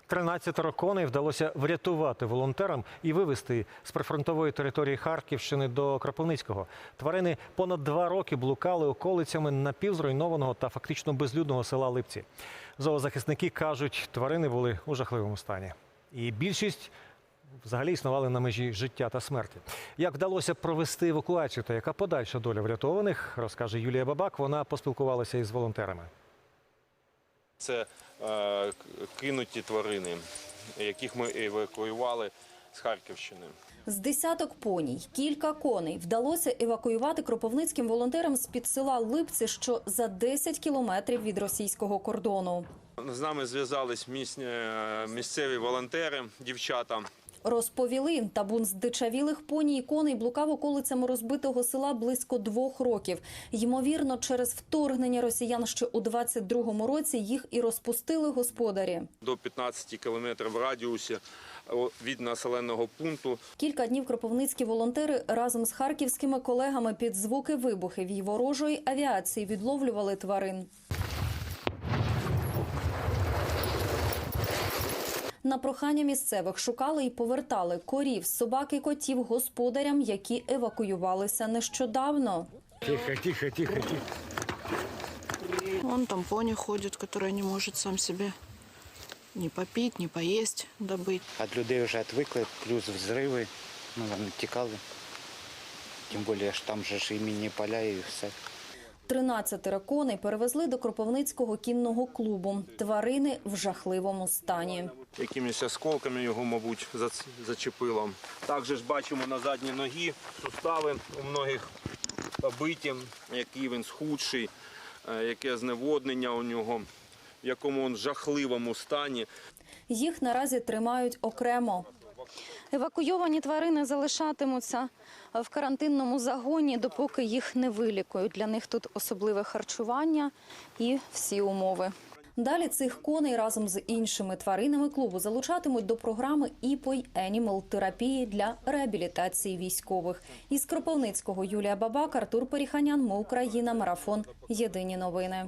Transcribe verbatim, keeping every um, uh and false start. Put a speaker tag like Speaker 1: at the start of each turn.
Speaker 1: тринадцятеро коней вдалося врятувати волонтерам і вивезти з прифронтової території Харківщини до Кропивницького. Тварини понад два роки блукали околицями напівзруйнованого та фактично безлюдного села Липці. Зоозахисники кажуть, тварини були у жахливому стані. І більшість взагалі існували на межі життя та смерті. Як вдалося провести евакуацію та яка подальша доля врятованих, розкаже Юлія Бабак. Вона поспілкувалася із волонтерами.
Speaker 2: Це е, кинуті тварини, яких ми евакуювали з Харківщини.
Speaker 3: З десяток поній, кілька коней вдалося евакуювати кропивницьким волонтерам з-під села Липці, що за десять кілометрів від російського кордону.
Speaker 2: З нами зв'язались місцеві волонтери, дівчата.
Speaker 3: Розповіли, табун здичавілих поній і коней блукав околицями розбитого села близько двох років. Ймовірно, через вторгнення росіян ще у двадцять другому році їх і розпустили господарі.
Speaker 2: До п'ятнадцяти кілометрів в радіусі від населеного пункту.
Speaker 3: Кілька днів кропивницькі волонтери разом з харківськими колегами під звуки вибухів і ворожої авіації відловлювали тварин. На прохання місцевих шукали і повертали корів, собак і котів господарям, які евакуювалися нещодавно.
Speaker 4: Тихо, тихо, тихо, тихо.
Speaker 5: Вон там пони ходит, который не может сам себе ни попить, ни поесть, добыть.
Speaker 4: От людей вже відвикли, плюс взриви, ну вони тікали. Тим більше, що там же ж і мінні поля і все.
Speaker 3: тринадцятеро коней перевезли до Кропивницького кінного клубу. Тварини в жахливому стані.
Speaker 2: Якимись осколками його, мабуть, зачепило. Також ж бачимо на задній ногі сустави у многих побиті, який він схудший, яке зневоднення у нього, в якому він жахливому стані.
Speaker 3: Їх наразі тримають окремо. Евакуйовані тварини залишатимуться в карантинному загоні, допоки їх не вилікують. Для них тут особливе харчування і всі умови. Далі цих коней разом з іншими тваринами клубу залучатимуть до програми «Іпой Енімал» терапії для реабілітації військових. Із Кропивницького Юлія Бабак, Артур Періханян, Ми Україна, Марафон. Єдині новини.